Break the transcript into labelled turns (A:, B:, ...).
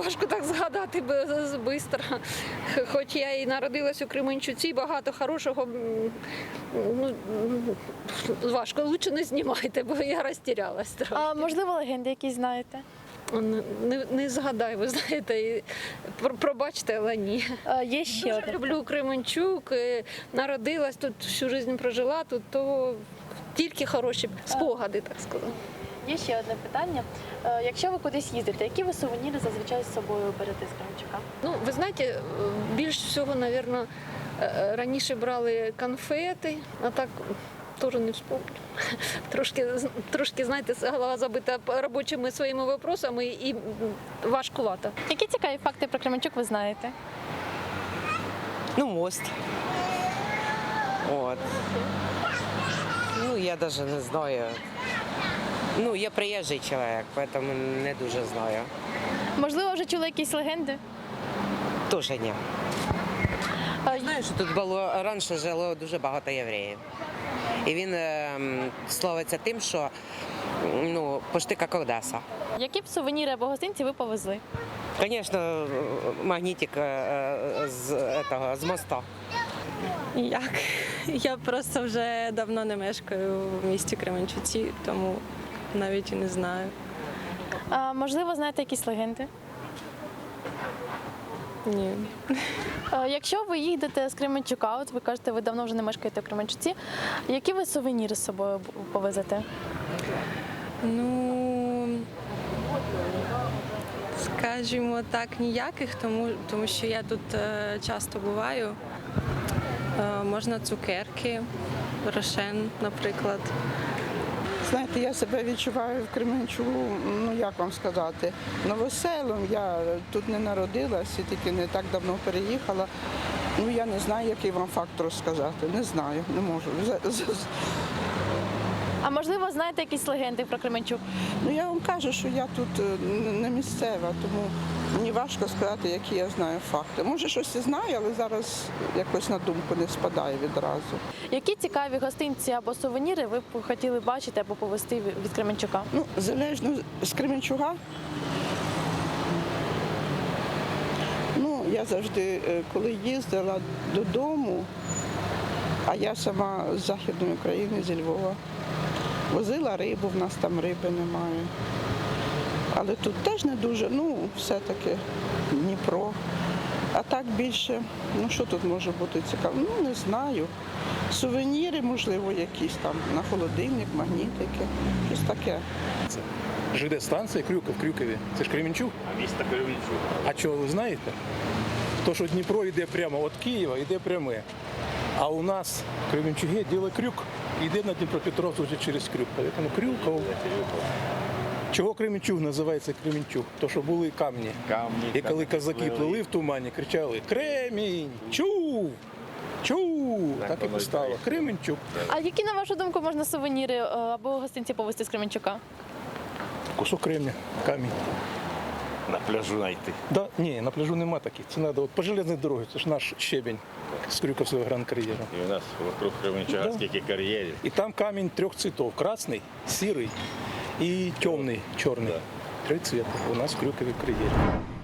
A: важко так згадати швидко. Хоч я і народилась у Кременчуці, багато хорошого, ну, важко, лучше не знімайте, бо я розтірялась трохи.
B: А можливо, легенди якісь знаєте?
A: Не згадаю, ви знаєте, пробачте, але ні.
B: Є ще
A: Дуже
B: одне.
A: люблю Кременчук, народилась тут, всю життя прожила тут, то тільки хороші спогади, так сказати.
B: Є ще одне питання. Якщо ви кудись їздите, які ви сувеніри зазвичай з собою берете з Кременчука?
A: Ну, ви знаєте, більш всього, мабуть, раніше брали конфети, а так теж не вспомню. Трошки, знаєте, голова забита робочими своїми вопросами і важкувато.
B: Які цікаві факти про Кременчук ви знаєте?
C: Ну, мост. Вот. Ну, я даже не знаю. Ну, я приїжджий чоловік, поэтому не дуже знаю.
B: Можливо, вже чули якісь легенди?
C: Тоже ні. Знаю, що тут було раніше жило дуже багато євреїв. І він славиться тим, що ну, почти як Одеса.
B: Які б сувеніри або гостинці ви повезли?
C: Звісно, магнітик з моста.
D: Ніяк. Я просто вже давно не мешкаю в місті Кременчуці, тому навіть і не знаю.
B: Можливо, знаєте якісь легенди?
D: Ні.
B: Якщо ви їдете з Кременчука, от ви кажете, ви давно вже не мешкаєте в Кременчуці, які ви сувеніри з собою повезете?
D: Ну, скажімо так, ніяких, тому що я тут часто буваю. Можна цукерки, рошен, наприклад.
E: Знаєте, я себе відчуваю в Кременчуку, ну як вам сказати, новоселом. Я тут не народилась і тільки не так давно переїхала. Ну я не знаю, який вам факт розказати. Не знаю, не можу.
B: А можливо, знаєте якісь легенди про Кременчук?
E: Ну я вам кажу, що я тут не місцева, тому мені важко сказати, які я знаю факти. Може, щось і знаю, але зараз якось на думку не спадає відразу.
B: Які цікаві гостинці або сувеніри ви б хотіли бачити або повезти від Кременчука?
E: Ну, залежно з Кременчуга. Ну, я завжди, коли їздила додому, а я сама з Західної України, зі Львова, возила рибу, в нас там риби немає. Але тут теж не дуже, ну, все-таки Дніпро. А так більше, ну що тут може бути цікаво? Ну, не знаю. Сувеніри, можливо, якісь там на холодильник, магнітики, щось таке.
F: ЖД-станція Крюков, Крюкові. Це ж Кременчук?
G: Місто Кременчук.
F: А чого ви знаєте? То, що Дніпро йде прямо від Києва, йде пряме. А у нас в Кременчугі діло Крюк, йде на Дніпропетровськ вже через Крюк. Тому Крюков. Чого Кременчуг називається Кременчуг? То, що були камні. І коли козаки плили в тумані, кричали «Кремінь! Чув! Чув!» Так і постало. Кременчук.
B: А які, на вашу думку, можна сувеніри або гостинці повезти з Кременчука?
F: Кусок кремня, камінь.
G: На пляжу знайти.
F: Да, ні, на пляжу нема таких. Це треба по железній дорозі, це ж наш щебень з Крюковського гран-кар'єру.
G: І у нас вокруг Кременчуга
F: Да.
G: скільки кар'єрів.
F: І там камінь трьох цветов. Красний, сірий і темний, чорний. Три цвіта у нас в Крюкові кар'єрі.